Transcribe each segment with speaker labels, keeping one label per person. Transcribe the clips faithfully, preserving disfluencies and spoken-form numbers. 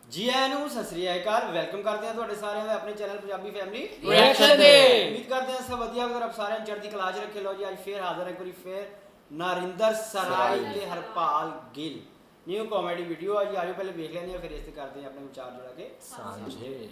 Speaker 1: जी आया नू सत श्री अकाल वेलकम करते हैं ਤੁਹਾਡੇ ਸਾਰਿਆਂ ਦਾ ਆਪਣੇ ਚੈਨਲ ਪੰਜਾਬੀ ਫੈਮਿਲੀ
Speaker 2: ਰਿਐਕਸ਼ਨ ਦੇ
Speaker 1: ਉਮੀਦ ਕਰਦੇ ਹਾਂ ਸਭ ਵਧੀਆ ਹੋਵੇਗਾ ਆਪ ਸਾਰਿਆਂ ਚੜ੍ਹਦੀ ਕਲਾ 'ਚ ਰੱਖੇ ਲਓ ਜੀ ਅੱਜ ਫੇਰ ਹਾਜ਼ਰ ਹੈ ਕੋਈ ਫੇਰ ਨਰਿੰਦਰ ਸਰਾਈ ਤੇ Harpal Gill new comedy video ਆ ਜੀ ਆਜੋ ਪਹਿਲੇ ਵੇਖ ਲੈਂਦੇ ਆ ਫਿਰ ਇਸ ਤੇ ਕਰਦੇ ਆ ਆਪਣੇ ਵਿਚਾਰ ਜੋੜਾ ਕੇ
Speaker 2: ਸਾਂਝੇ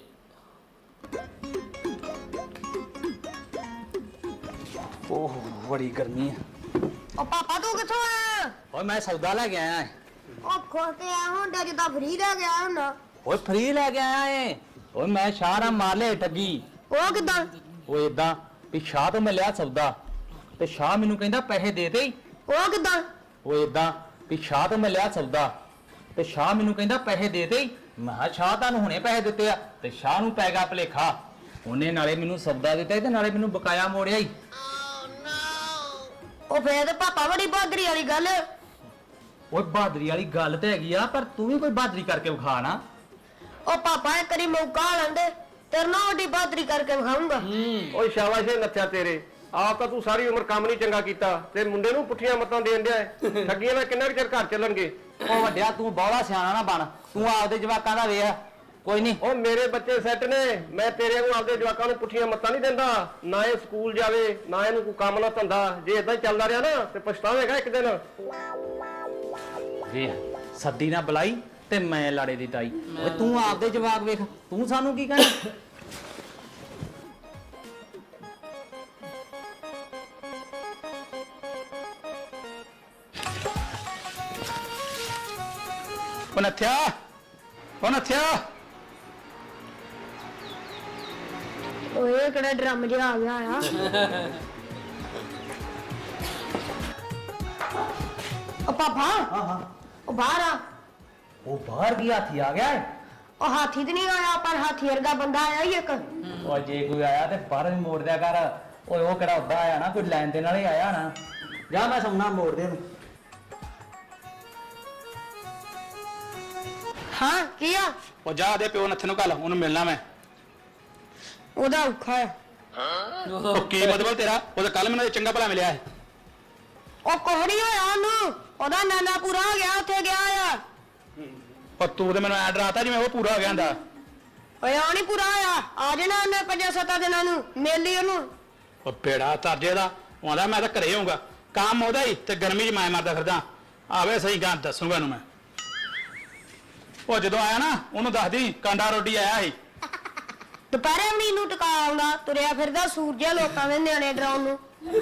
Speaker 2: ਓਹ ਬੜੀ ਗਰਮੀ ਹੈ
Speaker 3: ਓ ਪਾਪਾ ਤੂੰ ਕਿੱਥੋਂ ਆਇਆ?
Speaker 2: ਓਏ ਮੈਂ ਸੌਦਾ ਲੈ ਕੇ ਆਇਆ
Speaker 3: ਓ ਖੁਸ਼ ਤੇ ਆ ਹੁੰਦਾ ਜਿੱਦਾਂ ਫਰੀ ਲੈ ਗਿਆ ਹੁੰਦਾ।
Speaker 2: ਓਏ ਫ੍ਰੀ ਲੈ ਕੇ ਆਇਆ ਏ ਓਏ ਮੈਂ ਸ਼ਾਹਰਾ ਮਾਰ ਲਿਆ ਠੱਗੀ
Speaker 3: ਉਹ ਕਿਦਾਂ?
Speaker 2: ਓਏ ਇਦਾਂ ਵੀ ਸ਼ਾਹ ਤੋਂ ਮੈਂ ਲਿਆ ਸੌਦਾ ਤੇ ਸ਼ਾਹ ਮੈਨੂੰ ਕਹਿੰਦਾ ਪੈਸੇ ਦੇ ਦੇ
Speaker 3: ਉਹ ਕਿਦਾਂ?
Speaker 2: ਓਏ ਇਦਾਂ ਵੀ ਸ਼ਾਹ ਤੋਂ ਮੈਂ ਲਿਆ ਸੌਦਾ ਤੇ ਸ਼ਾਹ ਮੈਨੂੰ ਕਹਿੰਦਾ ਪੈਸੇ ਦੇ ਦੇ ਮੈਂ ਕਿਹਾ ਸ਼ਾਹ ਤੁਹਾਨੂੰ ਹੁਣੇ ਪੈਸੇ ਦਿੱਤੇ ਆ ਤੇ ਸ਼ਾਹ ਨੂੰ ਪੈ ਗਿਆ ਭਲੇਖਾ ਉਹਨੇ ਨਾਲੇ ਮੈਨੂੰ ਸੌਦਾ ਦਿੱਤਾ ਤੇ ਨਾਲੇ ਮੈਨੂੰ ਬਕਾਇਆ ਮੋੜਿਆ ਈ
Speaker 3: ਉਹ ਫੇਰ ਤੇ ਪਾਪਾ ਬੜੀ ਬਹਾਦਰੀ ਵਾਲੀ ਗੱਲ।
Speaker 2: ਓਏ ਬਹਾਦਰੀ ਵਾਲੀ ਗੱਲ ਤੇ ਹੈਗੀ ਆ ਪਰ ਤੂੰ ਵੀ ਕੋਈ ਬਹਾਦਰੀ ਕਰਕੇ ਵਿਖਾ ਨਾ
Speaker 3: ਉਹ ਪਾਪਾ ਇੱਕ ਵਾਰੀ ਮੌਕਾ ਲੈਂਦੇ ਤੇਰੇ ਨਾਲ ਵੱਡੀ ਬਹਾਦਰੀ ਕਰਕੇ ਵਿਖਾਉਂਗਾ।
Speaker 4: ਓਏ ਸ਼ਾਬਾਸ਼ ਏ ਨੱਥਿਆ ਤੇਰੇ ਆਪ ਤਾਂ ਤੂੰ ਸਾਰੀ ਉਮਰ ਕੰਮ ਨਹੀਂ ਚੰਗਾ ਕੀਤਾ ਤੇ ਮੁੰਡੇ ਨੂੰ ਪੁੱਠੀਆਂ ਮੱਤਾਂ ਦੇਣ ਡਿਆ ਏ। ਠੱਗੀਆਂ ਨਾਲ ਕਿੰਨਾ ਕੁ ਚਿਰ ਘਰ ਚੱਲਣਗੇ।
Speaker 2: ਉਹ ਵੱਡਿਆ ਤੂੰ ਬੌਲਾ ਸਿਆਣਾ ਨਾ ਬਣ ਤੂੰ ਆਪਦੇ ਜਵਾਕਾਂ ਦਾ ਵੇਖ ਕੋਈ ਨਹੀਂ
Speaker 4: ਉਹ ਮੇਰੇ ਬੱਚੇ ਸੈੱਟ ਨੇ ਮੈਂ ਤੇਰੇ ਨੂੰ ਆਪਦੇ ਜਵਾਕਾਂ ਨੂੰ ਪੁੱਠੀਆਂ ਮੱਤਾਂ ਨਹੀਂ ਦਿੰਦਾ ਨਾ ਇਹ ਸਕੂਲ ਜਾਵੇ ਨਾ ਇਹਨੂੰ ਕੋਈ ਕੰਮ ਨਾ ਧੰਦਾ ਜੇ ਇਦਾਂ ਹੀ ਚੱਲਦਾ ਰਿਹਾ ਨਾ ਤੇ ਪਛਤਾਵੇਗਾ ਇੱਕ ਦਿਨ।
Speaker 2: ਵੇਖ ਸੱਦੀ ਨਾ ਬੁਲਾਈ ਤੇ ਮੈਂ ਲਾੜੇ ਦੀ ਤਾਈ ਓਏ ਤੂੰ ਆਪਦੇ ਜਵਾਕ ਵੇਖ ਤੂੰ ਸਾਨੂੰ ਕੀ ਕਹਿਣਾ ਉਹ ਨੱਥਿਆ ਉਹ ਨੱਥਿਆ
Speaker 3: ਓਏ ਕਿਹੜਾ ਡਰਮ ਜਿਹਾ ਆ ਗਿਆ ਆ। ਉਹ ਪਾਪਾ
Speaker 2: ਹਾਂ ਹਾਂ
Speaker 3: ਉਹ ਬਾਹਰ ਆ।
Speaker 2: ਉਹ ਬਾਹਰ ਕੀ ਹਾਥੀ ਆ ਗਿਆ ਏ
Speaker 3: ਉਹ ਹਾਥੀ ਤੇ ਨਹੀਂ ਆਇਆ ਪਰ ਹਾਥੀ ਵਰਗਾ ਬੰਦਾ ਆਇਆ ਹੀ ਇੱਕ।
Speaker 2: ਓਏ ਜੇ ਕੋਈ ਆਇਆ ਤੇ ਬਾਹਰ ਵੀ ਮੋੜ ਦਿਆ ਕਰ ਓਏ ਉਹ ਕਿਹੜਾ ਉੱਦਾਂ ਆਇਆ ਨਾ ਕੋਈ ਲੈਣ ਦੇ ਨਾਲ ਹੀ ਆਇਆ ਨਾ ਜਾ ਮੈਂ ਸੌਣਾ ਮੋੜ ਦੇ ਉਹਨੂੰ
Speaker 3: ਹਾਂ ਕੀ ਆ?
Speaker 5: ਉਹ ਜਾ ਦੇ ਪਿਓ ਨੱਥੇ ਨੂੰ ਕੱਲ ਉਹਨੂੰ ਮਿਲਣਾ ਮੈਂ
Speaker 3: ਉਹਦਾ ਔਖਾ ਆ।
Speaker 5: ਉਹ ਕੀ ਮਤਲਬ ਤੇਰਾ ਉਹ ਤਾਂ ਕੱਲ ਮੈਨੂੰ ਚੰਗਾ ਭਲਾ ਮਿਲਿਆ ਹੈ
Speaker 3: ਉਹ ਕੋਹੜੀ ਹੋਇਆ ਉਹਨੂੰ ਉਹਦਾ ਨਾਨਾ ਪੂਰਾ ਹੋ ਗਿਆ ਉੱਥੇ ਗਿਆ ਆ।
Speaker 5: ਪਰ ਤੂੰ ਤੇ ਮੈਨੂੰ ਐ ਡਰਾਤਾ ਜਿਵੇਂ ਉਹ ਪੂਰਾ ਹੋ ਗਿਆ ਹੁੰਦਾ
Speaker 3: ਓਏ ਆ ਨਹੀਂ ਪੂਰਾ ਹੋਇਆ ਆ ਜਾਣਾ ਉਹਨੇ ਪੰਜਾਂ ਸੱਤਾਂ ਦਿਨਾਂ ਨੂੰ ਮੇਲੀ ਉਹਨੂੰ।
Speaker 5: ਉਹ ਬੇੜਾ ਤਰਜੇ ਦਾ ਉਹ ਆਂਦਾ ਮੈਂ ਤਾਂ ਘਰੇ ਹੋਊਗਾ ਕੰਮ ਉਹਦਾ ਹੀ ਤੇ ਗਰਮੀ 'ਚ ਮੈਂ ਮਰਦਾ ਫਿਰਦਾ ਆਵੇ ਸਹੀ ਗੱਲ ਦੱਸੂਗਾ ਉਹਨੂੰ ਮੈਂ ਉਹ ਜਦੋਂ ਆਇਆ ਨਾ ਉਹਨੂੰ ਦੱਸਦੀ ਕਾਂਡਾ ਰੋਟੀ ਆਇਆ ਸੀ
Speaker 3: ਦੁਪਹਿਰੇ ਵੀ ਨੂੰ ਟਿਕਾ ਆਉਂਦਾ ਤੁਰਿਆ ਫਿਰਦਾ ਸੂਰਜਾ ਲੋਕਾਂ ਦੇ ਨਿਆਣੇ ਡਰਾਉਣ ਨੂੰ।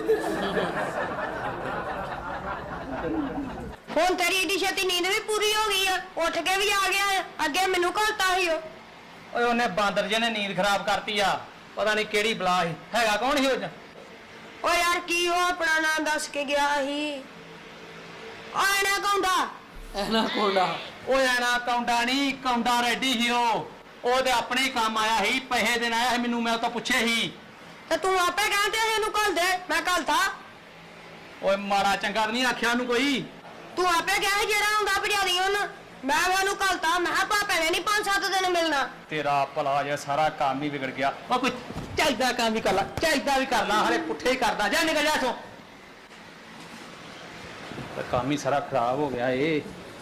Speaker 3: ਹੁਣ ਤੇਰੀ ਏਡੀ ਛੇਤੀ ਨੀਂਦ ਵੀ ਪੂਰੀ ਹੋ ਗਈ ਆ ਉੱਠ ਕੇ ਵੀ ਆ ਗਿਆ ਅੱਗੇ ਮੈਨੂੰ ਘਲਤਾ ਸੀ ਉਹ।
Speaker 2: ਓਏ ਉਹਨੇ ਬਾਂਦਰ ਜਿਹਨੇ ਨੀਂਦ ਖਰਾਬ ਕਰਤੀ ਆ ਪਤਾ ਨਹੀਂ ਕਿਹੜੀ ਬਲਾ ਸੀ ਹੈਗਾ ਕੌਣ ਸੀ ਉਹ ਚ
Speaker 3: ਓ ਯਾਰ ਕੀ ਉਹ ਆਪਣਾ ਨਾਮ ਦੱਸ ਕੇ ਗਿਆ ਸੀ ਆਏ ਨਾ ਕੌਂਦਾ
Speaker 2: ਐਨਾ ਕੋਂਡਾ ਓਏ ਐਨਾ ਕੌਂਡਾ ਨਹੀਂ ਕੌਂਡਾ ਰੈਡੀ ਸੀ ਉਹ ਉਹ ਤੇ ਆਪਣੇ ਹੀ ਕੰਮ ਆਇਆ ਸੀ ਪੈਸੇ ਦੇਣ ਆਇਆ ਸੀ ਮੈਨੂੰ ਮੈਂ ਉਹ ਤੋਂ ਪੁੱਛੇ ਸੀ
Speaker 3: ਤੇ ਤੂੰ ਆਪੇ ਕਹਿੰਦੇ ਇਹਨੂੰ ਘਲ ਦੇ ਮੈਂ ਘਲਤਾ।
Speaker 2: ਓਏ ਮਾੜਾ ਚੰਗਾ ਤਾਂ ਨਹੀਂ ਆਖਿਆ ਉਹਨੂੰ ਕੋਈ
Speaker 3: ਤੂੰ ਆਪੇ ਕਿਹਾ ਸੀ ਜਿਹੜਾ ਹੁੰਦਾ ਭਜਾਦੀ ਉਹਨੂੰ ਮੈਂ ਉਹਨੂੰ ਘਲਤਾ ਮੈਂ ਕਿਹਾ ਭਾਪੇ ਨੇ ਨਹੀਂ ਪੰਜ ਸੱਤ ਦਿਨ ਮਿਲਣਾ।
Speaker 2: ਤੇਰਾ ਭਲਾ ਜੇ ਸਾਰਾ ਕੰਮ ਹੀ ਵਿਗੜ ਗਿਆ ਉਹ ਕੋਈ ਚਾਹੀਦਾ ਕੰਮ ਵੀ ਕਰ ਲਾ ਚਾਹੀਦਾ ਵੀ ਕਰ ਲਾ ਹਲੇ ਪੁੱਠੇ ਹੀ ਕਰਦਾ ਜਾ ਨਿਕਲ ਜਾ ਇੱਥੋਂ ਤੇ ਕੰਮ ਹੀ ਸਾਰਾ ਖਰਾਬ ਹੋ ਗਿਆ ਏ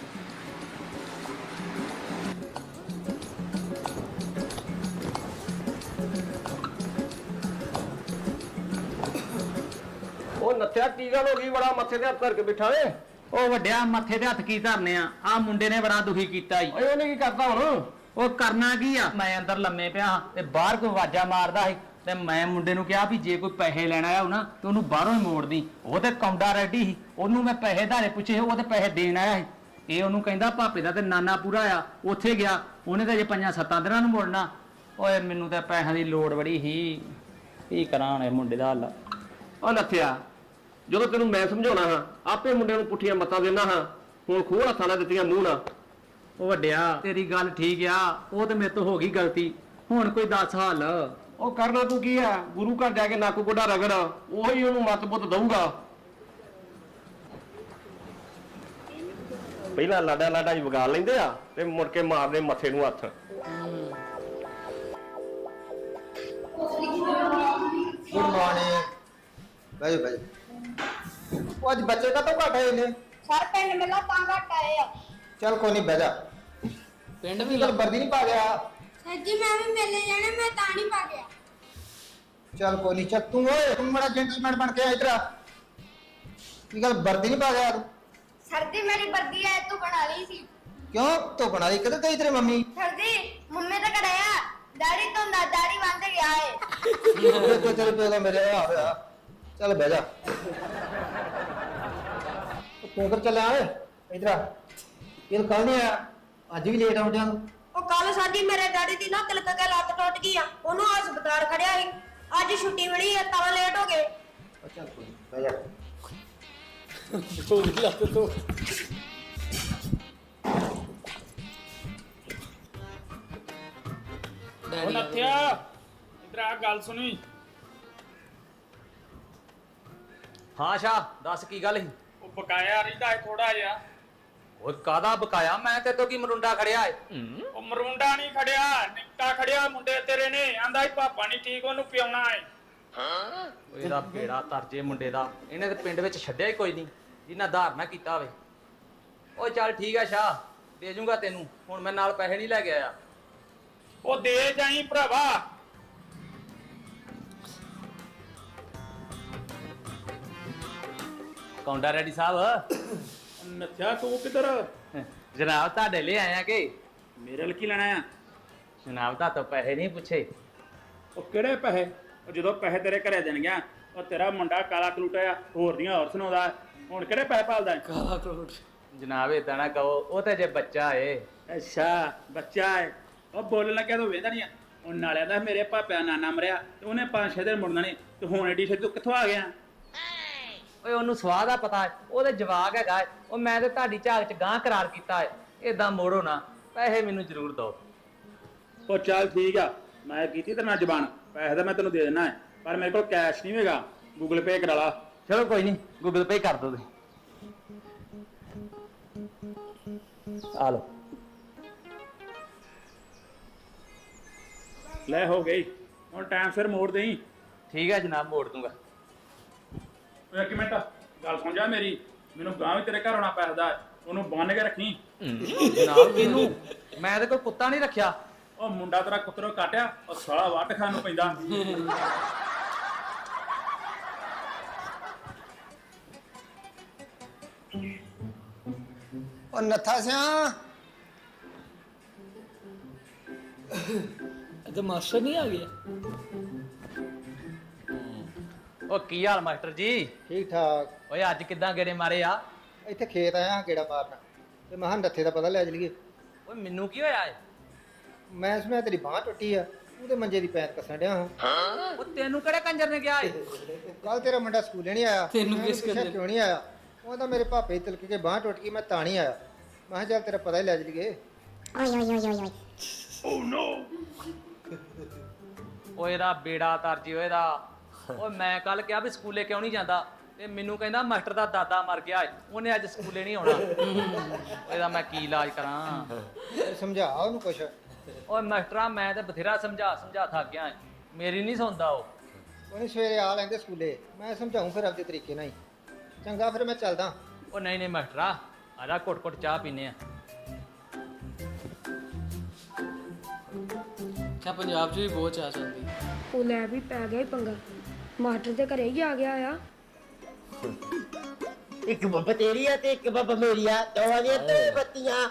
Speaker 4: ਉਹ ਨੱਥਿਆ ਕੀ ਗੱਲ ਹੋ ਗਈ ਬੜਾ ਮੱਥੇ ਤੇ ਹੱਥ ਧਰ ਕੇ ਬਿਠਾ ਏ।
Speaker 2: ਉਹ ਵੱਡਿਆ ਮੱਥੇ ਤੇ ਹੱਥ ਕੀ ਧਰਨੇ ਆ ਆ ਮੁੰਡੇ ਨੇ ਬੜਾ ਦੁਖੀ ਕੀਤਾ ਈ
Speaker 4: ਓਏ ਉਹਨੇ ਕੀ ਕਰਤਾ ਹੁਣ?
Speaker 2: ਉਹ ਕਰਨਾ ਕੀ ਆ ਮੈਂ ਅੰਦਰ ਲੰਮੇ ਪਿਆ ਤੇ ਬਾਹਰ ਕੋਈ ਆਵਾਜ਼ਾਂ ਮਾਰਦਾ ਸੀ ਤੇ ਮੈਂ ਮੁੰਡੇ ਨੂੰ ਕਿਹਾ ਵੀ ਜੇ ਕੋਈ ਪੈਸੇ ਲੈਣ ਆਇਆ ਹੋ ਨਾ ਤੇ ਉਹਨੂੰ ਬਾਹਰੋਂ ਹੀ ਮੋੜਦੀ ਉਹ ਤੇ ਕੌਂਡਾ ਰੈਡੀ ਸੀ ਉਹਨੂੰ ਮੈਂ ਪੈਸੇ ਧਾਰੇ ਪੁੱਛੇ ਉਹ ਤੇ ਪੈਸੇ ਦੇਣ ਆਇਆ ਸੀ ਇਹ ਉਹਨੂੰ ਕਹਿੰਦਾ ਭਾਪੇ ਦਾ ਤੇ ਨਾਨਾ ਪੂਰਾ ਆ ਉੱਥੇ ਗਿਆ ਉਹਨੇ ਤਾਂ ਜੇ ਪੰਜਾਂ ਸੱਤਾਂ ਦਿਨਾਂ ਨੂੰ ਮੋੜਨਾ ਓਏ ਮੈਨੂੰ ਤਾਂ ਪੈਸਿਆਂ ਦੀ ਲੋੜ ਬੜੀ ਸੀ ਕੀ ਕਰਾਂ ਹੁਣ ਇਹ ਮੁੰਡੇ ਦਾ ਹੱਲ
Speaker 4: ਉਹ ਨੱਥਿਆ ਜਦੋਂ ਤੈਨੂੰ ਮੈਂ ਸਮਝਾਉਣਾ ਹਾਂ ਆਪੇ ਮੁੰਡਿਆਂ ਨੂੰ ਪੁੱਠੀਆਂ ਮੱਤਾਂ ਦਿੰਦਾ ਹਾਂ ਹੁਣ ਖੂਹ ਹੱਥਾਂ ਨਾਲ ਦਿੱਤੀਆਂ ਮੂੰਹ ਨਾਲ।
Speaker 2: ਉਹ ਵੱਡਿਆ ਤੇਰੀ ਗੱਲ ਠੀਕ ਆ ਉਹ ਤੇ ਮੇਰੇ ਤੋਂ ਹੋ ਗਈ ਗਲਤੀ ਹੁਣ ਕੋਈ ਦੱਸ ਹਾਲ
Speaker 4: ਉਹ ਕਰਨਾ ਤੂੰ ਕੀ ਆ ਗੁਰੂ ਘਰ ਜਾ ਕੇ ਨੱਕ ਗੋਡਾ ਰਗੜ ਉਹੀ ਉਹਨੂੰ ਮੱਤ ਪੁੱਤ ਦਊਗਾ। ਪਹਿਲਾਂ ਲਾਡਾ ਲਾਡਾ ਹੀ ਵਗਾ ਲੈਂਦੇ ਆ ਤੇ ਮੁੜ ਕੇ ਮਾਰਦੇ ਮੱਥੇ ਨੂੰ ਹੱਥ।
Speaker 6: गुड मॉर्निंग भाई भाई वो आज बच्चे का तो घट है इन्हें
Speaker 3: ਸਰ ਪਿੰਡ ਮੇਲਾ ਤਾਂ ਘੱਟ ਆਏ ਆ।
Speaker 6: चल कोई नहीं बह जा
Speaker 1: ਪਿੰਡ
Speaker 6: ਕੀ ਗੱਲ ਵਰਦੀ ਨਹੀਂ ਪਾ ਗਿਆ?
Speaker 7: ਸਰ ਜੀ ਮੈਂ ਵੀ ਮੇਲੇ ਜਾਣਾ, ਮੈਂ ਤਾਂ ਨਹੀਂ ਪਾ ਗਿਆ।
Speaker 6: ਚੱਲ ਕੋਈ ਨਹੀਂ, ਚੱਲ ਤੂੰ ਓਏ ਤੂੰ ਬੜਾ ਜੈਂਟਲਮੈਨ ਬਣ ਕੇ ਆ ਇਧਰ ਆ। ਕੀ ਗੱਲ ਵਰਦੀ ਨਹੀਂ ਪਾ ਗਿਆ ਤੂੰ?
Speaker 7: ਸਰ ਜੀ ਮੇਰੀ ਵਰਦੀ ਐ ਤੂੰ ਬਣਾ ਲਈ ਸੀ।
Speaker 6: ਕਿਉਂ ਤੂੰ ਬਣਾ ਲਈ? ਕਦੋਂ ਗਈ ਤੇਰੀ ਮੰਮੀ?
Speaker 7: ਸਰ ਜੀ ਮੰਮੀ ਤਾਂ ਕਰਾਇਆ, ਦਾੜੀ ਤੋਂ ਨਾ ਦਾੜੀ ਬੰਦ ਗਿਆ ਏ।
Speaker 6: ਤੂੰ ਤੇਰੇ ਪਿਓ ਦਾ ਮੇਰੇ ਆ ਹੋਇਆ। ਚੱਲ ਬਹਿ ਜਾ। ਤੂੰ ਕਰ ਚੱਲਿਆ ਓਏ ਇਧਰ ਆ। ਇਹ ਕੱਲ ਨਹੀਂ ਆਇਆ, ਅੱਜ ਵੀ ਲੇਟ ਆਉਂਦਿਆਂ ਨੂੰ।
Speaker 3: ਉਹ ਕੱਲ ਸਾਡੀ ਮੇਰੇ ਡੈਡੀ ਦੀ ਨਾ ਤਿਲਕ ਕੇ ਲੱਤ ਟੁੱਟ ਗਈ ਆ, ਉਹਨੂੰ ਹਸਪਤਾਲ ਖੜਿਆ ਸੀ। ਅੱਜ ਛੁੱਟੀ ਮਿਲੀ ਆ ਤਾਂ ਲੇਟ ਹੋ ਗਏ।
Speaker 6: ਉਹ ਚੱਲ ਕੋਈ ਨੀ, ਬਹਿ ਜਾ।
Speaker 1: ਉਹਦੀ ਲੱਤ ਤੋਂ
Speaker 5: ਉਹ ਨੱਥਿਆ ਇਧਰ ਆ ਗੱਲ ਸੁਣੀ।
Speaker 2: ਹਾਂ ਸ਼ਾ ਦੱਸ ਕੀ ਗੱਲ ਸੀ?
Speaker 5: ਉਹ ਬਕਾਇਆ ਰਹਿੰਦਾ ਹੈ ਥੋੜਾ ਜਿਹਾ।
Speaker 2: ਓਏ ਕਾਦਾ ਬਕਾਇਆ? ਮੈਂ ਤੇ ਤੋਂ ਕੀ ਮਰੁੰਡਾ ਖੜਿਆ ਏ?
Speaker 5: ਉਹ ਮਰੂੰਡਾ ਨਹੀਂ ਖੜਿਆ, ਨਿੱਕਾ ਖੜਿਆ ਮੁੰਡੇ ਤੇਰੇ ਨੇ। ਆਂਦਾ ਹੀ ਪਾਪਾ ਨਹੀਂ ਠੀਕ, ਉਹਨੂੰ ਪਿਆਉਣਾ ਹੈ।
Speaker 2: ਓਏ ਇਹਦਾ ਬੇੜਾ ਤਰਜੇ ਮੁੰਡੇ ਦਾ, ਇਹਨੇ ਤੇ ਪਿੰਡ ਵਿੱਚ ਛੱਡਿਆ ਹੀ ਕੋਈ ਨਹੀਂ ਜਿੰਨਾ ਧਾਰ ਨਾ ਕੀਤਾ ਹੋਵੇ। ਓਏ ਚੱਲ ਠੀਕ ਆ ਸ਼ਾ, ਦੇ ਜੂੰਗਾ ਤੈਨੂੰ। ਹੁਣ ਮੈਂ ਨਾਲ ਪੈਸੇ ਨਹੀਂ ਲੈ ਕੇ ਆਇਆ।
Speaker 5: ਉਹ ਦੇ ਜਾਈ ਭਰਾਵਾ।
Speaker 2: ਕੌਂਡਾ ਰੈਡੀ ਸਾਹਿਬ।
Speaker 5: ਨੱਥਿਆ ਤੂੰ ਕਿੱਧਰ?
Speaker 2: ਜਨਾਬ ਤੁਹਾਡੇ ਲਈ ਆਇਆ ਕਿ?
Speaker 5: ਮੇਰੇ ਲਈ ਕੀ ਲੈਣਾ ਆ?
Speaker 2: ਜਨਾਬ ਤਾਂ ਤੋਂ ਪੈਸੇ ਨਹੀਂ ਪੁੱਛੇ।
Speaker 5: ਉਹ ਕਿਹੜੇ ਪੈਸੇ? ਉਹ ਜਦੋਂ ਪੈਸੇ ਤੇਰੇ ਘਰੇ ਦੇਣ ਗਿਆ, ਉਹ ਤੇਰਾ ਮੁੰਡਾ ਕਾਲਾ ਕਲੂਟਾ ਆ, ਹੋਰ ਦੀਆਂ ਹੋਰ ਸੁਣਾਉਂਦਾ। ਹੁਣ ਕਿਹੜੇ ਪੈਸੇ ਭਾਲਦਾ?
Speaker 1: ਕਾਲਾ ਕਰੋੜ।
Speaker 2: ਜਨਾਬ ਏਦਾਂ ਨਾ ਕਹੋ, ਉਹ ਤੇ ਜੇ ਬੱਚਾ ਏ।
Speaker 5: ਅੱਛਾ ਬੱਚਾ ਹੈ। ਉਹ ਬੋਲਣ ਲੱਗਿਆ ਤੂੰ ਵੇਂਦਾ ਨਹੀਂ ਆ। ਉਹ ਨਾਲਿਆ ਦਾ ਮੇਰੇ ਪਾਪਿਆ ਨਾਨਾ ਮਰਿਆ ਤੇ ਉਹਨੇ ਪੰਜ ਛੇ ਦਿਨ ਮੁੜਨਾ ਨਹੀਂ, ਤੇ ਹੁਣ ਏਡੀ ਛੇਤੀ ਤੂੰ ਕਿੱਥੋਂ ਆ ਗਿਆ?
Speaker 2: ਓਏ ਉਹਨੂੰ ਸਵਾਹ ਦਾ ਪਤਾ ਹੈ, ਉਹਦੇ ਜਵਾਕ ਹੈਗਾ ਏ। ਉਹ ਮੈਂ ਤੇ ਤੁਹਾਡੀ ਝਾਕ ਚ ਗਾਂ ਕਰਾਰ ਕੀਤਾ ਏ। ਏਦਾਂ ਮੋੜੋ ਨਾ, ਪੈਸੇ ਮੈਨੂੰ ਜ਼ਰੂਰ ਦਿਓ।
Speaker 5: ਉਹ ਚੱਲ ਠੀਕ ਆ, ਮੈਂ ਕੀਤੀ ਤੇਰੇ ਨਾਲ ਜ਼ਬਾਨ। ਪੈਸੇ ਤਾਂ ਮੈਂ ਤੈਨੂੰ ਦੇ ਦੇਣਾ ਹੈ, ਪਰ ਮੇਰੇ ਕੋਲ ਕੈਸ਼ ਨਹੀਂ ਹੈਗਾ। ਗੂਗਲ ਪੇ ਕਰਾ ਲਾ।
Speaker 2: ਚਲੋ ਕੋਈ ਨਹੀਂ, ਗੂਗਲ ਪੇ ਕਰ ਦੋ ਤੁਸੀਂ। ਆ ਲਓ।
Speaker 5: ਲੈ ਹੋ ਗਈ, ਹੁਣ ਟਾਈਮ ਸਿਰ ਮੋੜ ਦੇਈ।
Speaker 2: ਠੀਕ ਹੈ ਜਨਾਬ, ਮੋੜ ਦੂੰਗਾ।
Speaker 5: ਓਏ ਇੱਕ ਮਿੰਟ ਗੱਲ ਸੁਣ ਜਾ ਮੇਰੀ। ਮੈਨੂੰ ਗਾਂ ਵੀ ਤੇਰੇ ਘਰ ਆਉਣਾ ਪੈਸਦਾ, ਉਹਨੂੰ ਬੰਨ ਕੇ ਰੱਖੀ।
Speaker 2: ਜਨਾਬ ਕਿਹਨੂੰ? ਮੈਂ ਤੇ ਕੋਈ ਕੁੱਤਾ ਨਹੀਂ ਰੱਖਿਆ।
Speaker 5: ਉਹ ਮੁੰਡਾ ਤੇਰਾ ਕੁੱਤਰੋਂ ਕਾਟਿਆ, ਉਹ ਸਾਲਾ ਵੱਟ ਖਾਣ ਨੂੰ ਪੈਂਦਾ।
Speaker 6: ਉਹ ਨੱਥਾ ਸਿਆ।
Speaker 1: ਤੇ ਮਾਸਟਰ ਨਹੀਂ ਆ ਗਿਆ?
Speaker 2: ਉਹ ਕੀ ਹਾਲ ਮਾਸਟਰ ਜੀ?
Speaker 6: ਠੀਕ ਠਾਕ।
Speaker 2: ਓਏ ਅੱਜ ਕਿੱਦਾਂ ਗੇੜੇ ਮਾਰੇ ਆ?
Speaker 6: ਇੱਥੇ ਖੇਤ ਆਇਆ ਕਿਹੜਾ ਮਾਰਨਾ, ਤੇ ਮੈਂ ਕਿਹਾ ਨੱਥੇ ਦਾ ਪਤਾ ਲੈ ਚਲੀਏ।
Speaker 2: ਓਏ ਮੈਨੂੰ ਕੀ ਹੋਇਆ ਏ?
Speaker 6: ਮੈਂ ਸੁਣਿਆ ਤੇਰੀ ਬਾਂਹ ਟੁੱਟੀ ਆ, ਉਹਦੇ ਮੰਜੇ ਦੀ ਪੈਰ ਕੱਸਣ ਡਿਆ ਹਾਂ।
Speaker 2: ਉਹ ਤੈਨੂੰ ਕਿਹੜੇ ਕੰਜਰ ਨੇ ਕਿਹਾ ਏ?
Speaker 6: ਕੱਲ ਤੇਰਾ ਮੁੰਡਾ ਸਕੂਲੇ ਨਹੀਂ ਆਇਆ।
Speaker 1: ਤੈਨੂੰ
Speaker 6: ਮੈਂ
Speaker 1: ਕਿਸ
Speaker 6: ਉਹਨੂੰ ਪੁੱਛਿਆ
Speaker 1: ਕਹਿੰਦੇ?
Speaker 6: ਕਿਉਂ ਨਹੀਂ ਆਇਆ? ਉਹ ਤਾਂ ਮੇਰੇ ਭਾਪੇ ਦੀ ਤਿਲਕ ਕੇ ਬਾਂਹ ਟੁੱਟ ਗਈ, ਮੈਂ ਤਾਂ ਨਹੀਂ ਆਇਆ। ਮੈਂ ਕਿਹਾ ਚੱਲ ਤੇਰਾ ਪਤਾ ਹੀ ਲੈ ਚਲੀਏ।
Speaker 2: ਓਏ ਇਹਦਾ ਬੇੜਾ ਤਰਜੀ ਓਏ ਦਾ। ਓਏ ਮੈਂ ਕੱਲ ਕਿਹਾ ਵੀ ਸਕੂਲੇ ਕਿਉਂ ਨਹੀਂ ਜਾਂਦਾ, ਤੇ ਮੈਨੂੰ ਕਹਿੰਦਾ ਮਾਸਟਰ ਦਾ ਦਾਦਾ ਮਰ ਗਿਆ ਏ, ਉਹਨੇ ਅੱਜ ਸਕੂਲੇ ਨਹੀਂ ਆਉਣਾ। ਇਹਦਾ ਮੈਂ ਕੀ ਇਲਾਜ ਕਰਾਂ?
Speaker 6: ਤੇ ਸਮਝਾ ਉਹਨੂੰ ਕੁਛ।
Speaker 2: ਓਏ ਮਾਸਟਰਾਂ ਮੈਂ ਤੇ ਬਥੇਰਾ ਸਮਝਾ ਸਮਝਾ ਥੱਕ ਗਿਆ ਏ, ਮੇਰੀ ਨਹੀਂ ਸੁਣਦਾ ਉਹ।
Speaker 6: ਉਹਨੇ ਸਵੇਰੇ ਆ ਲੈਂਦੇ ਸਕੂਲੇ, ਮੈਂ ਸਮਝਾਉਂ ਫਿਰ ਆਪਦੇ ਤਰੀਕੇ ਨਾਲ ਹੀ। ਚੰਗਾ ਫਿਰ ਮੈਂ ਚੱਲਦਾ।
Speaker 2: ਉਹ ਨਹੀਂ ਨਹੀਂ ਮਾਸਟਰਾ, ਆਜਾ ਘੁੱਟ ਘੁੱਟ ਚਾਹ ਪੀਨੇ ਆ।
Speaker 1: ਕਿਆ ਪੰਜਾਬ 'ਚ ਵੀ ਬਹੁਤ ਚਾਹ ਚੱਲਦੀ?
Speaker 3: ਉਹ ਲੈ ਵੀ ਪੈ ਗਿਆ ਈ ਪੰਗਾ, ਮਾਸਟਰ ਦੇ ਘਰੇ ਹੀ ਆ ਗਿਆ ਆ।
Speaker 8: ਇੱਕ ਬੱਬ ਤੇਰੀ ਆ ਤੇ ਇੱਕ ਬੱਬ ਮੇਰੀ ਆ, ਦੋਵਾਂ ਦੀਆਂ ਤੇ ਬੱਤੀਆਂ।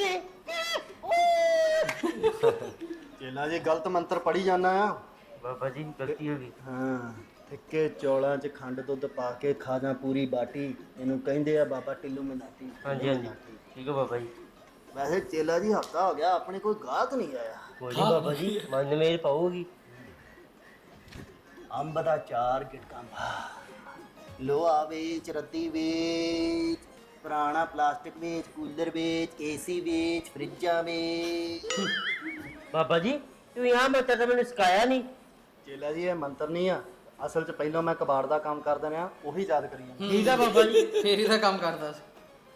Speaker 9: ਚੇਲਾ ਜੀ ਗਲਤ ਮੰਤਰ ਪੜੀ ਜਾਣਾ ਆ।
Speaker 8: ਬਾਬਾ ਜੀ ਗਲਤੀ ਹੋ ਗਈ।
Speaker 9: ਹਾਂ, ਫਿੱਕੇ ਚੌਲਾਂ 'ਚ ਖੰਡ ਦੁੱਧ ਪਾ ਕੇ ਖਾ ਜਾ ਪੂਰੀ ਬਾਟੀ, ਇਹਨੂੰ ਕਹਿੰਦੇ ਆ ਬਾਬਾ ਟਿੱਲੂ ਮਨਾਟੀ।
Speaker 8: ਹਾਂਜੀ ਹਾਂਜੀ ਠੀਕ ਹੈ ਬਾਬਾ ਜੀ।
Speaker 9: ਵੈਸੇ ਚੇਲਾ ਜੀ ਹਫਤਾ ਹੋ ਗਿਆ ਆਪਣੇ ਕੋਈ ਗਾਹਕ ਨਹੀਂ ਆਇਆ।
Speaker 8: ਕੋਈ ਨਹੀਂ ਬਾਬਾ ਜੀ, ਮਨ ਮੇਰ ਪਾਉਗੀ।
Speaker 9: ਅੰਬ ਦਾ ਚਾਰ ਗਿਟਕਾਂ ਪਾ, ਲੋਹਾ ਵੇਚ, ਰੱਦੀ ਵੇਚ, ਪੁਰਾਣਾ ਪਲਾਸਟਿਕ ਵੇਚ, ਕੂਲਰ ਵੇਚ, ਏਸੀ ਵੇਚ, ਫਰਿੱਜਾਂ ਵੇਚ।
Speaker 8: ਬਾਬਾ ਜੀ ਤੂੰ यहाँ ਮੈਂ ਤਾਂ ਮੈਨੂੰ ਸਿਖਾਇਆ ਨਹੀਂ।
Speaker 9: ਚੇਲਾ ਜੀ ਇਹ ਮੰਤਰ ਨਹੀਂ ਆ, ਅਸਲ 'ਚ ਪਹਿਲਾਂ ਮੈਂ ਕਬਾੜ ਦਾ ਕੰਮ ਕਰਦਾ ਰਿਹਾ, ਉਹੀ ਯਾਦ ਕਰੀ ਜਾਂਦਾ।
Speaker 8: ਠੀਕ ਆ ਬਾਬਾ ਜੀ।
Speaker 1: ਫੇਰੀ ਦਾ ਕੰਮ ਕਰਦਾ ਸੀ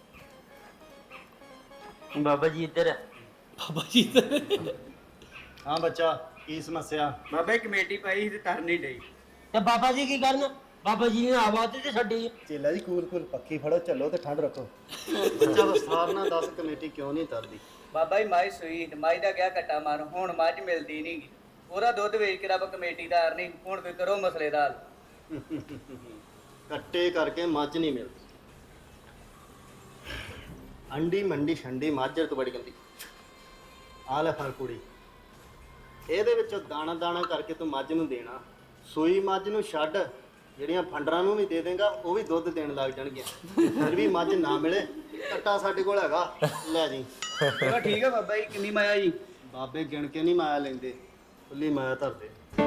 Speaker 8: ਬਾਬਾ ਜੀ ਇੱਧਰ ਆ।
Speaker 1: ਬਾਬਾ ਜੀ ਤੇ।
Speaker 9: ਹਾਂ ਬੱਚਾ, ਕੀ ਸਮੱਸਿਆ?
Speaker 4: ਬਾਬੇ ਕਮੇਟੀ ਪਾਈ ਸੀ ਤੇ ਤਰ ਨਹੀਂ ਡਈ।
Speaker 8: ਤੇ ਬਾਬਾ ਜੀ ਕੀ ਕਰਨ? ਬਾਬਾ ਜੀ ਨੇ ਆਵਾਜ਼ ਤੇ ਛੱਡੀ।
Speaker 9: ਚੇਲਾ ਜੀ ਕੂਲ ਕੂਲ ਪੱਖੀ ਫੜੋ, ਚੱਲੋ ਤੇ ਠੰਡ ਰੱਖੋ। ਬੱਚਾ ਵਿਸਥਾਰ ਨਾਲ ਦੱਸ, ਕਮੇਟੀ ਕਿਉਂ ਨਹੀਂ ਤਰਦੀ?
Speaker 10: ਬਾਬਾ ਜੀ ਮਾਈ ਸੂਈ ਮਾਈ ਦਾ ਗਿਆ ਕੱਟਾ ਮਾਰ ਹੁਣ ਮੱਝ ਮਿਲਦੀ ਨਹੀਂ ਉਹਦਾ ਦੁੱਧ ਵੇਚ ਕੇ ਰੱਬ ਕਮੇਟੀਦਾਰ ਨਹੀਂ ਹੁਣ ਕੋਈ ਕਰੋ ਮਸਲੇ ਦਾ ਹੱਲ।
Speaker 9: ਕੱਟੇ ਕਰਕੇ ਮੱਝ ਨਹੀਂ ਮਿਲਦੀ। ਅੰਡੀ ਮੰਡੀ ਛੰਡੀ ਮਾਝਰ ਤੋਂ ਬੜੀ ਗੰਦੀ। ਆ ਲੈ ਫੜ ਕੁੜੀ, ਇਹਦੇ ਵਿੱਚੋਂ ਦਾਣਾ ਦਾਣਾ ਕਰਕੇ ਤੂੰ ਮੱਝ ਨੂੰ ਦੇਣਾ। ਸੂਈ ਮੱਝ ਨੂੰ ਛੱਡ, ਜਿਹੜੀਆਂ ਫੰਡਰਾਂ ਨੂੰ ਵੀ ਦੇ ਦੇਂਗਾ ਉਹ ਵੀ ਦੁੱਧ ਦੇਣ ਲੱਗ ਜਾਣਗੀਆਂ। ਫਿਰ ਵੀ ਮੱਝ ਨਾ ਮਿਲੇ, ਕੱਟਾ ਸਾਡੇ ਕੋਲ ਹੈਗਾ, ਲੈ ਜੀ।
Speaker 10: ਚਲੋ ਠੀਕ ਹੈ ਬਾਬਾ ਜੀ। ਕਿੰਨੀ ਮਾਇਆ ਜੀ?
Speaker 9: ਬਾਬੇ ਗਿਣ ਕੇ ਨਹੀਂ ਮਾਇਆ ਲੈਂਦੇ, ਖੁੱਲੀ ਮਾਇਆ ਧਰਦੇ।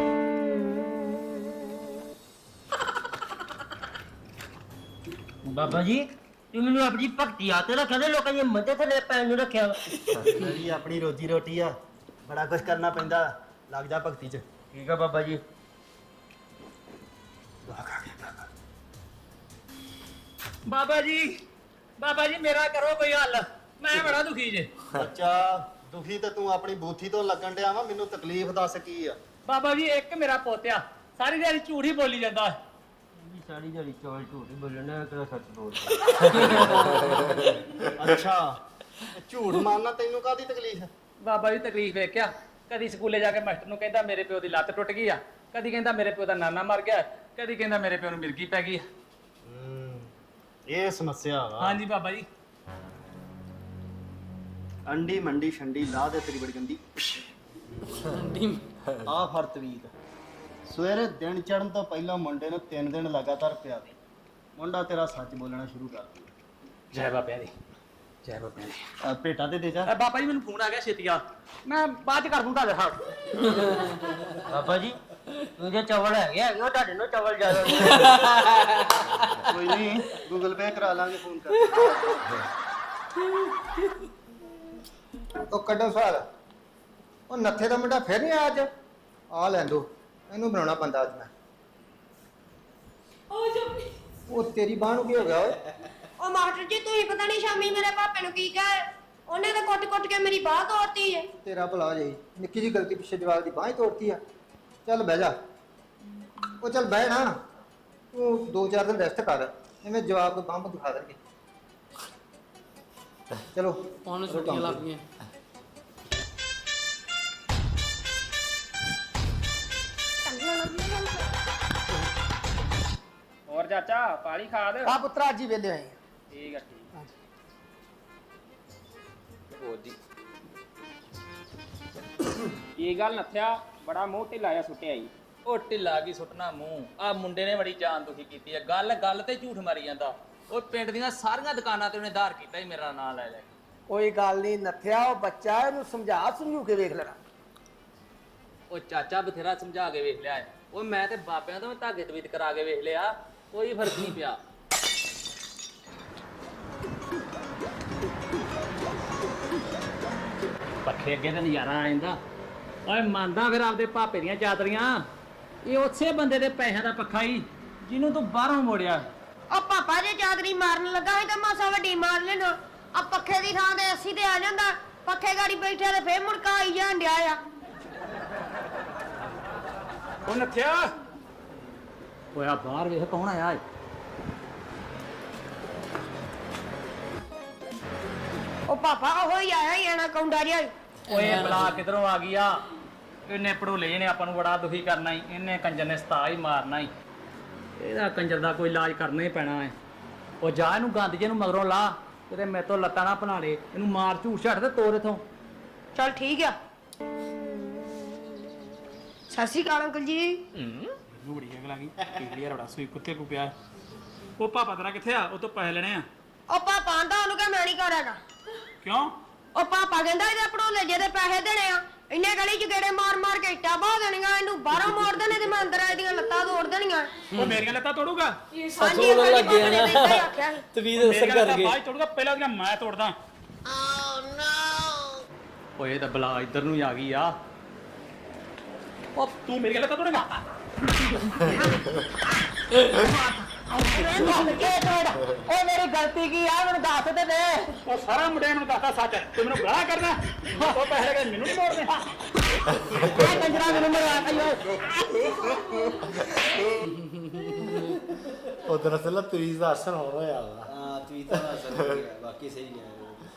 Speaker 8: ਬਾਬਾ ਜੀ ਤੂੰ ਮੈਨੂੰ ਆਪਣੀ ਭਗਤੀ ਆਤੇ ਰੱਖਿਆ ਤੇ ਲੋਕਾਂ ਦੀ ਮੱਦੇ ਥੱਲੇ ਪੈਣ ਨੂੰ ਰੱਖਿਆ ਵਾ।
Speaker 9: ਜੀ ਆਪਣੀ ਰੋਜੀ ਰੋਟੀ ਆ, ਬੜਾ ਕੁਝ ਕਰਨਾ ਪੈਂਦਾ, ਲੱਗ ਜਾ ਭਗਤੀ 'ਚ।
Speaker 8: ਠੀਕ ਆ ਬਾਬਾ ਜੀ।
Speaker 2: ਬਾਬਾ ਜੀ ਬਾਬਾ ਜੀ ਮੇਰਾ ਕਰੋ ਕੋਈ ਹੱਲ, ਮੈਂ ਬੜਾ ਦੁਖੀ ਜੇ।
Speaker 9: ਬੱਚਾ ਦੁਖੀ ਤੇ ਤੂੰ ਆਪਣੀ ਬੂਥੀ ਤੋਂ ਲੱਗਣ ਡਿਆ ਵਾ, ਮੈਨੂੰ ਤਕਲੀਫ ਦੱਸ ਕੀ ਆ।
Speaker 2: ਬਾਬਾ ਜੀ ਇੱਕ ਮੇਰਾ ਪੋਤਿਆ ਸਾਰੀ ਦਿਹਾੜੀ ਝੂਠ ਹੀ ਬੋਲੀ ਜਾਂਦਾ।
Speaker 8: ਸਾਰੀ ਦਿਹਾੜੀ ਚੌਲ ਝੂਠ ਹੀ ਬੋਲਣਾ, ਕਿਹੜਾ ਸੱਚ ਬੋਲ।
Speaker 9: ਅੱਛਾ ਝੂਠ ਮਾਰਨਾ ਤੈਨੂੰ ਕਾਹਦੀ ਤਕਲੀਫ?
Speaker 2: ਬਾਬਾ ਜੀ ਤਕਲੀਫ ਵੇਖਿਆ, ਕਦੀ ਸਕੂਲੇ ਜਾ ਕੇ ਮਾਸਟਰ ਨੂੰ ਕਹਿੰਦਾ ਮੇਰੇ ਪਿਓ ਦੀ ਲੱਤ ਟੁੱਟ ਗਈ ਆ, ਕਦੀ ਕਹਿੰਦਾ ਮੇਰੇ ਪਿਓ ਦਾ ਨਾਨਾ ਮਰ ਗਿਆ, ਕਦੀ ਕਹਿੰਦਾ ਮੇਰੇ ਪਿਓ ਨੂੰ ਮਿਰਗੀ ਪੈ ਗਈ।
Speaker 9: ਹੂੰ ਇਹ ਸਮੱਸਿਆ ਵਾ।
Speaker 2: ਹਾਂਜੀ ਬਾਬਾ ਜੀ।
Speaker 9: ਅੰਡੀ ਮੰਡੀ ਛੰਡੀ ਲਾ ਦੇ ਤੇਰੀ ਬੜੀ ਗੰਦੀ। ਆ ਫੜ ਤਵੀਤ, ਸਵੇਰੇ ਦਿਨ ਚੜਨ ਤੋਂ ਪਹਿਲਾਂ ਮੁੰਡੇ ਨੂੰ ਤਿੰਨ ਦਿਨ ਲਗਾਤਾਰ ਪਿਆ ਦੇ। ਮੁੰਡਾ ਤੇਰਾ ਸੱਚ ਬੋਲਣਾ ਸ਼ੁਰੂ ਕਰ ਦੂ।
Speaker 2: ਜੈ ਬਾਬਿਆਂ ਦੀ, ਜੈ ਬਾਬਿਆਂ ਦੀ।
Speaker 9: ਆ ਭੇਟਾ ਤੇ ਦੇ ਜਾ।
Speaker 2: ਅ ਬਾਬਾ ਜੀ ਮੈਨੂੰ ਫੋਨ ਆ ਗਿਆ, ਛੇਤੀ ਆ, ਮੈਂ ਬਾਅਦ ਚ ਕਰ ਦੂੰ ਤੁਹਾਡੇ ਨਾਲ।
Speaker 8: ਬਾਬਾ ਜੀ ਉਹਦੇ ਚਾਵਲ ਹੈਗੇ ਹੈਗੇ ਉਹ ਤੁਹਾਡੇ ਨੂੰ ਚਾਵਲ ਜ਼ਿਆਦਾ
Speaker 9: ਕੋਈ ਨਹੀਂ, ਗੂਗਲ ਪੇ ਕਰਾ ਲਾਂਗੇ, ਫੋਨ ਕਰ।
Speaker 6: ਉਹ ਕੱਢੋ ਸਵਾਲ। ਉਹ ਨੱਥੇ ਦਾ ਮੁੰਡਾ ਫਿਰ ਨਹੀਂ ਆਇਆ ਅੱਜ? ਆ ਲੈਣ ਦੋ, ਇਹਨੂੰ ਬਣਾਉਣਾ ਬੰਦਾ ਅੱਜ ਮੈਂ। ਉਹ ਤੇਰੀ ਬਾਹ ਨੂੰ ਕੀ ਹੋ ਗਿਆ ਓਏ?
Speaker 3: ਉਹ ਮਾਸਟਰ ਜੀ ਤੁਸੀਂ ਪਤਾ ਨਹੀਂ ਸ਼ਾਮੀ ਮੇਰੇ ਪਾਪੇ ਨੂੰ ਕੀ ਕਹੇ, ਉਹਨੇ ਤਾਂ ਕੁੱਟ-ਕੁੱਟ ਕੇ ਮੇਰੀ ਬਾਹ ਤੋੜਤੀ ਏ।
Speaker 6: ਤੇਰਾ ਭਲਾ ਜਾਈ, ਨਿੱਕੀ ਜੀ ਗਲਤੀ ਪਿੱਛੇ ਜਵਾਬ ਦੀ ਬਾਹ ਹੀ ਤੋੜਤੀ ਆ। ਚੱਲ ਬਹਿ ਜਾ। ਉਹ ਚੱਲ ਬਹਿ ਨਾ, ਤੂੰ ਦੋ ਚਾਰ ਦਿਨ ਰੈਸਟ ਕਰ, ਐਵੇਂ ਜਵਾਬ ਕੋਈ ਬੰਬ ਦਿਖਾ ਦੇਣਗੇ। ਚਲੋ
Speaker 1: ਉਹਨੂੰ ਛੁੱਟੀਆਂ ਲੱਗ ਗਈਆਂ।
Speaker 2: ਹੋਰ ਚਾਚਾ ਪਾਣੀ ਖਾ ਦੇ।
Speaker 6: ਆ ਪੁੱਤਰਾ ਅੱਜ ਹੀ ਵੇਲੇ ਆਏ।
Speaker 2: ਠੀਕ ਆ ਠੀਕ ਆ। ਹੋਰ ਜੀ ਕੀ ਗੱਲ ਨੱਥਿਆ, ਬੜਾ ਮੂੰਹ ਢਿੱਲਾ ਜਿਹਾ ਸੁੱਟਿਆ ਈ। ਉਹ ਢਿੱਲਾ ਕੀ ਸੁੱਟਣਾ ਮੂੰਹ, ਆ ਮੁੰਡੇ ਨੇ ਬੜੀ ਜਾਨ ਦੁਖੀ ਕੀਤੀ ਆ। ਗੱਲ ਗੱਲ ਤੇ ਝੂਠ ਮਾਰੀ ਜਾਂਦਾ। ਉਹ ਪਿੰਡ ਦੀਆਂ ਸਾਰੀਆਂ ਦੁਕਾਨਾਂ ਤੇ ਉਹਨੇ ਧਾਰ ਕੀਤਾ ਹੀ ਮੇਰਾ ਨਾਂ ਲੈ ਲੈ।
Speaker 11: ਕੋਈ ਗੱਲ ਨਹੀਂ ਨੱਥਿਆ, ਉਹ ਬੱਚਾ, ਇਹਨੂੰ ਸਮਝਾ ਸਮਝੂ ਕੇ ਵੇਖ ਲੈਣਾ।
Speaker 2: ਉਹ ਚਾਚਾ ਬਥੇਰਾ ਸਮਝਾ ਕੇ ਵੇਖ ਲਿਆ। ਉਹ ਮੈਂ ਤੇ ਬਾਬਿਆਂ ਤੋਂ ਵੀ ਧਾਗੇ ਤਵੀਤ ਕਰਾ ਕੇ ਵੇਖ ਲਿਆ, ਕੋਈ ਫਰਕ ਨਹੀਂ ਪਿਆ। ਪੱਖੇ ਅੱਗੇ ਤੇ ਨਜ਼ਾਰਾ ਆ ਜਾਂਦਾ। ਓਏ ਮੰਨਦਾ ਫਿਰ ਆਪਦੇ ਭਾਪੇ ਦੀਆਂ ਚਾਦਰੀਆਂ, ਇਹ ਉਸੇ ਬੰਦੇ ਦੇ ਪੈਸਿਆਂ ਦਾ ਪੱਖਾ ਹੀ ਜਿਹਨੂੰ ਤੂੰ ਬਾਹਰੋਂ ਮੋੜਿਆ।
Speaker 3: ਉਹ ਪਾਪਾ ਜੇ ਚਾਦਰੀ ਮਾਰਨ ਲੱਗਾ ਸੀ ਤਾਂ ਮਾਸਾ ਵੱਡੀ ਮਾਰ ਲੈਣਾ। ਆ ਪੱਖੇ ਦੀ ਥਾਂ ਤੇ ਅਸੀਂ ਤੇ ਆ ਜਾਂਦਾ, ਪੱਖੇ ਗਾੜੀ ਬੈਠਿਆ ਤੇ ਫੇਰ ਮੁੜਕਾ ਆਈ ਜਾਣ ਡਿਆ ਆ।
Speaker 2: ਉਹ ਨੱਥਿਆ, ਓਏ ਆ ਬਾਹਰ ਵੇਖ ਕੌਣ ਆਇਆ ਏ।
Speaker 3: ਉਹ ਪਾਪਾ ਉਹ ਹੀ ਆਇਆ ਹੀ ਆਣਾ ਕੌਂਡਾ ਜਿਹਾ।
Speaker 2: ਓਏ ਬਲਾ ਕਿਧਰੋਂ ਆ ਗਈ ਆ? ਇਹਨੇ ਪੜੋਲੇ ਜਿਹਨੇ ਆਪਾਂ ਨੂੰ ਬੜਾ ਦੁਖੀ ਕਰਨਾ ਈ, ਇਹਨੇ ਕੰਜਰ ਨੇ ਸਤਾ ਹੀ ਮਾਰਨਾ ਈ। ਇਹਦਾ ਕੰਜਰ ਦਾ ਕੋਈ ਇਲਾਜ ਕਰਨਾ ਹੀ ਪੈਣਾ ਹੈ। ਉਹ ਜਾ ਇਹਨੂੰ ਗੰਦ ਜੇ ਨੂੰ ਮਗਰੋਂ ਲਾ, ਕਿਤੇ ਮੇਰੇ ਤੋਂ ਲੱਤਾਂ ਨਾ ਬਣਾ ਲੇ। ਇਹਨੂੰ ਮਾਰ ਝੂਠ ਛੱਡ ਤੇ ਤੋਰ ਇਥੋਂ।
Speaker 3: ਚਲ ਠੀਕ ਆ। ਸਤਿ ਸ਼੍ਰੀ ਅਕਾਲ ਅੰਕਲ ਜੀ।
Speaker 5: ਨੂੰ ਬੜੀ ਅਗਲ ਆ ਗਈ ਯਾਰ, ਬੜਾ ਸੂਈ ਕੁੱਤੇ ਕੋ ਪਿਆ। ਉਹ ਪਾਪਾ ਤੇਰਾ ਕਿੱਥੇ ਆ? ਉਹ ਤੋਂ ਪੈਸੇ ਲੈਣੇ ਆ।
Speaker 3: ਉਹ ਪਾਪਾ ਆਂਦਾ ਉਹਨੂੰ ਕਹ ਮੈਂ ਨਹੀਂ ਕਰਾਂਗਾ।
Speaker 5: ਕਿਉਂ?
Speaker 3: ਉਹ ਪਾਪਾ ਕਹਿੰਦਾ ਇਹਦੇ ਪੜੋਲੇ ਜਿਹਦੇ ਪੈਸੇ ਦੇਣੇ ਆ, ਇੰਨੇ ਗਲੀ ਚ ਗੇੜੇ ਮਾਰ ਮਾਰ ਕੇ ਇੱਟਾਂ ਬਾਹ ਦੇਣੀਆਂ, ਇਹਨੂੰ ਬਾਹਰੋਂ ਮੋੜ ਦੇਣੇ ਤੇ ਮੈਂ ਅੰਦਰ ਇਹਦੀਆਂ ਲੱਤਾਂ ਤੋੜ ਦੇਣੀਆਂ।
Speaker 5: ਉਹ ਮੇਰੀਆਂ ਲੱਤਾਂ ਤੋੜੂਗਾ?
Speaker 3: ਹਾਂਜੀ ਅੰਕਲ ਜੀ, ਪਾਪਾ ਨੇ ਤਾਂ ਹੀ ਆਖਿਆ ਸੀ।
Speaker 5: ਤਵੀਦ ਅਸਰ ਕਰ ਗਈ। ਬਾਅਦ ਤੋੜੂਗਾ, ਪਹਿਲਾਂ ਦੀਆਂ ਮੈਂ ਤੋੜਦਾ। ਓਏ ਇਹ ਤਾਂ ਬਲਾ ਇੱਧਰ ਨੂੰ ਆ ਗਈ ਆ। ਉਹ ਤੂੰ ਮੇਰੀਆਂ ਲੱਤਾਂ ਤੋੜੇਗਾ?
Speaker 8: ਉਹ ਮੇਰੀ ਗਲਤੀ ਕੀ ਆ, ਮੈਨੂੰ ਦੱਸ ਤੇ ਦੇ।
Speaker 5: ਉਹ ਸਾਰਾ ਮੁੰਡੇ ਨੂੰ ਦੱਸਦਾ ਸੱਚ, ਤੂੰ ਮੈਨੂੰ ਗਾਲਾਂ ਕਰਨਾ। ਉਹ ਪੈਸੇ ਲੈ ਕੇ ਮੈਨੂੰ ਨਹੀਂ ਮੋੜਨੇ।
Speaker 8: ਇਹ ਕੰਜਰਾ ਮੈਨੂੰ ਮਰਵਾ ਕੇ
Speaker 1: ਉਹ ਦਰਅਸਲ ਤਵੀਜ਼ ਦਾ ਅਸਰ ਹੋ ਰਿਹਾ ਵਾ। ਹਾਂ ਤਵੀਜ਼ ਦਾ ਅਸਰ ਹੋ ਗਿਆ, ਬਾਕੀ ਸਹੀ ਹੈ।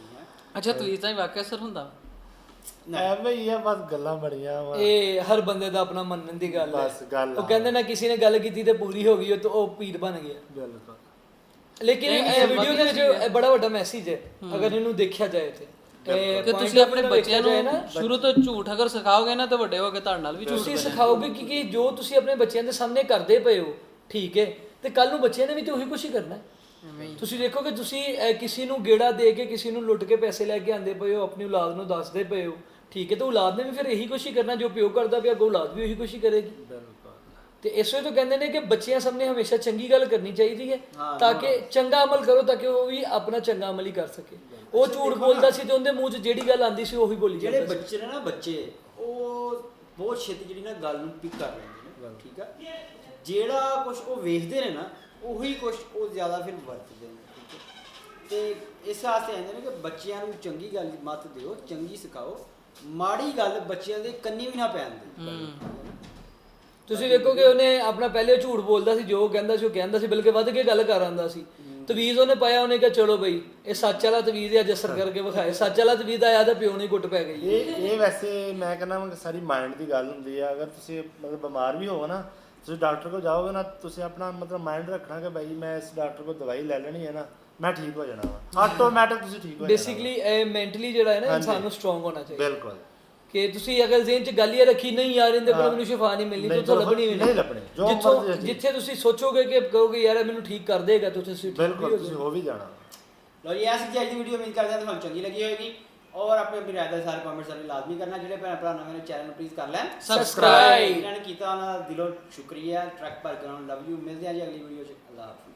Speaker 12: ਅੱਛਾ ਤਵੀਜ਼ ਤਾਂ ਵਾਕਿਆ ਅਸਰ ਹੁੰਦਾ
Speaker 13: ਐਵੇਂ ਹੀ ਆ ਬਸ ਗੱਲਾਂ ਬੜੀਆਂ ਵਾ
Speaker 14: ਇਹ ਹਰ ਬੰਦੇ ਦਾ ਆਪਣਾ ਮੰਨਣ ਦੀ ਗੱਲ ਹੈ
Speaker 13: ਬਸ ਗੱਲ
Speaker 14: ਉਹ ਕਹਿੰਦੇ ਨਾ ਕਿਸੇ ਨੇ ਗੱਲ ਕੀਤੀ ਤੇ ਪੂਰੀ ਹੋ ਗਈ ਉਹ ਤਾਂ ਉਹ ਪੀਰ ਬਣ ਗਿਆ
Speaker 13: ਬਿਲਕੁਲ
Speaker 14: ਲੇਕਿਨ ਇਹ ਵੀਡੀਓ ਦੇ ਵਿੱਚ ਇਹ ਬੜਾ ਵੱਡਾ ਮੈਸੇਜ ਹੈ ਅਗਰ ਇਹਨੂੰ ਦੇਖਿਆ ਜਾਏ ਤੇ
Speaker 12: ਕਿ ਤੁਸੀਂ ਆਪਣੇ ਬੱਚਿਆਂ ਨੂੰ ਸ਼ੁਰੂ ਤੋਂ ਝੂਠ ਅਗਰ ਸਿਖਾਓਗੇ ਨਾ ਤਾਂ ਵੱਡੇ ਹੋ ਕੇ ਤੁਹਾਡੇ ਨਾਲ ਵੀ ਝੂਠ
Speaker 14: ਤੁਸੀਂ ਸਿਖਾਓਗੇ ਕਿ ਜੋ ਤੁਸੀਂ ਆਪਣੇ ਬੱਚਿਆਂ ਦੇ ਸਾਹਮਣੇ ਕਰਦੇ ਪਏ ਹੋ ਠੀਕ ਹੈ ਤੇ ਕੱਲ ਨੂੰ ਬੱਚਿਆਂ ਨੇ ਵੀ ਤੇ ਉਹੀ ਕੁਛ ਹੀ ਕਰਨਾ ਹੈ ਤੁਸੀਂ ਦੇਖੋ ਕਿ ਤੁਸੀਂ ਕਿਸੇ ਨੂੰ ਗੇੜਾ ਦੇ ਕੇ ਕਿਸੇ ਨੂੰ ਲੁੱਟ ਕੇ ਪੈਸੇ ਲੈ ਕੇ ਆਂਦੇ ਪਏ ਹੋ ਆਪਣੀ ਔਲਾਦ ਨੂੰ ਦੱਸਦੇ ਪਏ ਹੋ ਠੀਕ ਹੈ ਤਾਂ ਔਲਾਦ ਨੇ ਵੀ ਫਿਰ ਇਹੀ ਕੁਛ ਹੀ ਕਰਨਾ ਜੋ ਪਿਓ ਕਰਦਾ ਪਿਆ ਅੱਗੋਂ ਔਲਾਦ ਵੀ ਉਹੀ ਕੁਛ ਹੀ ਕਰੇਗੀ ਤੇ ਇਸ ਵੇ ਤੋਂ ਕਹਿੰਦੇ ਨੇ ਕਿ ਬੱਚਿਆਂ ਸਾਹਮਣੇ ਹਮੇਸ਼ਾ ਚੰਗੀ ਗੱਲ ਕਰਨੀ ਚਾਹੀਦੀ ਹੈ ਤਾਂ ਕਿ ਚੰਗਾ ਅਮਲ ਕਰੋ ਤਾਂ ਕਿ ਉਹ ਵੀ ਆਪਣਾ ਚੰਗਾ ਅਮਲ ਹੀ ਕਰ ਸਕੇ ਉਹ ਝੂਠ ਬੋਲਦਾ ਸੀ ਤੇ ਉਹਦੇ ਮੂੰਹ 'ਚ ਜਿਹੜੀ ਗੱਲ ਆਂਦੀ ਸੀ ਉਹੀ ਬੋਲੀ
Speaker 1: ਜਿਹੜੇ ਬੱਚੇ ਨੇ ਨਾ ਬੱਚੇ ਉਹ ਬਹੁਤ ਛੇਤੀ ਜਿਹੜੀ ਨਾ ਗੱਲ ਨੂੰ ਪਿਕ ਕਰ ਲੈਂਦੇ ਨੇ ਠੀਕ ਆ ਜਿਹੜਾ ਕੁਝ ਉਹ ਵੇਖਦੇ ਨੇ ਨਾ ਉਹੀ ਕੁਝ ਉਹ ਜ਼ਿਆਦਾ ਫਿਰ ਵਰਤਦੇ ਨੇ ਤੇ ਇਸ ਵਾਸਤੇ ਆਂਦੇ ਨੇ ਕਿ ਬੱਚਿਆਂ ਨੂੰ ਚੰਗੀ ਗੱਲ ਮਤ ਦਿਓ ਚੰਗੀ ਸਿਖਾਓ ਮਾੜੀ ਗੱਲ ਬੱਚਿਆਂ ਦੇ ਕੰਨੀ ਵੀ ਨਾ ਪੈਣ ਦਿਓ
Speaker 14: ਤੁਸੀਂ ਵੇਖੋ ਕਿ ਉਹਨੇ ਆਪਣਾ ਪਹਿਲੇ ਝੂਠ ਬੋਲਦਾ ਸੀ ਜੋ ਕਹਿੰਦਾ ਸੀ ਉਹ ਕਹਿੰਦਾ ਸੀ ਬਲਕਿ ਵੱਧ ਕੇ ਗੱਲ ਕਰ ਆਂਦਾ ਸੀ ਤਵੀਜ਼ ਉਹਨੇ ਪਾਇਆ ਉਹਨੇ ਕਿਹਾ ਚਲੋ ਬਈ ਇਹ ਸੱਚ ਵਾਲਾ ਤਵੀਜ਼ ਹੈ ਅੱਜ ਅਸਰ ਕਰਕੇ ਵਿਖਾਏ ਸੱਚ ਵਾਲਾ ਤਵੀਜ਼ ਆਇਆ ਤਾਂ ਪਿਓ ਨੇ ਗੁੱਟ ਪੈ ਗਈ
Speaker 13: ਇਹ ਇਹ ਵੈਸੇ ਮੈਂ ਕਹਿੰਦਾ ਸਾਰੀ ਮਾਈਂਡ ਦੀ ਗੱਲ ਹੁੰਦੀ ਆ ਅਗਰ ਤੁਸੀਂ ਮਤਲਬ ਬਿਮਾਰ ਵੀ ਹੋਵੋ ਨਾ ਤੁਸੀਂ ਡਾਕਟਰ ਕੋਲ ਜਾਓਗੇ ਨਾ ਤੁਸੀਂ ਆਪਣਾ ਮਤਲਬ ਮਾਈਂਡ ਰੱਖਣਾ ਕਿ ਭਾਈ ਮੈਂ ਇਸ ਡਾਕਟਰ ਕੋਲ ਦਵਾਈ ਲੈ ਲੈਣੀ ਹੈ ਨਾ ਮੈਂ ਠੀਕ ਹੋ ਜਾਣਾ ਵਾ ਆਟੋਮੈਟਿਕ ਤੁਸੀਂ ਠੀਕ ਹੋ ਜਾਣਾ
Speaker 14: ਬੇਸਿਕਲੀ ਇਹ ਮੈਂਟਲੀ ਜਿਹੜਾ ਹੈ ਨਾ ਇਨਸਾਨ ਨੂੰ ਸਟਰੋਂਗ ਹੋਣਾ ਚਾਹੀਦਾ
Speaker 13: ਬਿਲਕੁਲ
Speaker 14: ਕਿ ਤੁਸੀਂ ਅਗਰ ਜ਼ਿਹਨ 'ਚ ਗੱਲ ਇਹ ਰੱਖੀ ਨਹੀਂ ਯਾਰ ਇਹਦੇ ਕੋਲ ਮੈਨੂੰ ਸ਼ਿਫਾ ਨਹੀਂ ਮਿਲਣੀ ਤਾਂ ਤੁਹਾਨੂੰ ਲੱਭਣੀ
Speaker 13: ਨਹੀਂ ਲੱਭਣੀ
Speaker 14: ਜਿੱਥੋਂ ਜਿੱਥੇ ਤੁਸੀਂ ਸੋਚੋਗੇ ਕਿ ਕਹੋਗੇ ਯਾਰ ਮੈਨੂੰ ਠੀਕ ਕਰ ਦੇਗਾ ਤਾਂ ਤੁਸੀਂ
Speaker 13: ਬਿਲਕੁਲ ਤੁਸੀਂ ਹੋ ਵੀ ਜਾਣਾ
Speaker 1: ਲੋ ਜੀ ਐਸੀ ਅੱਜ ਦੀ ਵੀਡੀਓ ਉਮੀਦ ਕਰਦੇ ਹਾਂ ਤੁਹਾਨੂੰ ਚੰਗੀ ਲੱਗੀ ਹੋਵੇਗੀ ਔਰ ਆਪਣੇ ਆਪਣੀ ਰਾਏ ਦਾ ਸਾਰੇ ਕਮੈਂਟ ਸਾਰੇ ਲਾਜ਼ਮੀ ਕਰਨਾ ਜਿਹੜੇ ਭੈਣ ਭਰਾ ਨਵੇਂ ਨੇ ਚੈਨਲ ਨੂੰ ਪਲੀਜ਼ ਕਰ ਲੈਣ
Speaker 14: ਸਬਸਕ੍ਰਾਈਬ
Speaker 1: ਇਹਨਾਂ ਨੇ ਕੀਤਾ ਉਹਨਾਂ ਦਾ ਦਿਲੋਂ ਸ਼ੁਕਰੀਆ ਟਰੱਕ ਭਰ ਕੇ ਉਹਨਾਂ ਨੂੰ ਲਵ ਯੂ ਮਿਲਦੇ ਹਾਂ ਜੀ ਅਗਲੀ ਵੀਡੀਓ 'ਚ ਅੱਲਾਹ ਹਾਫਿਜ਼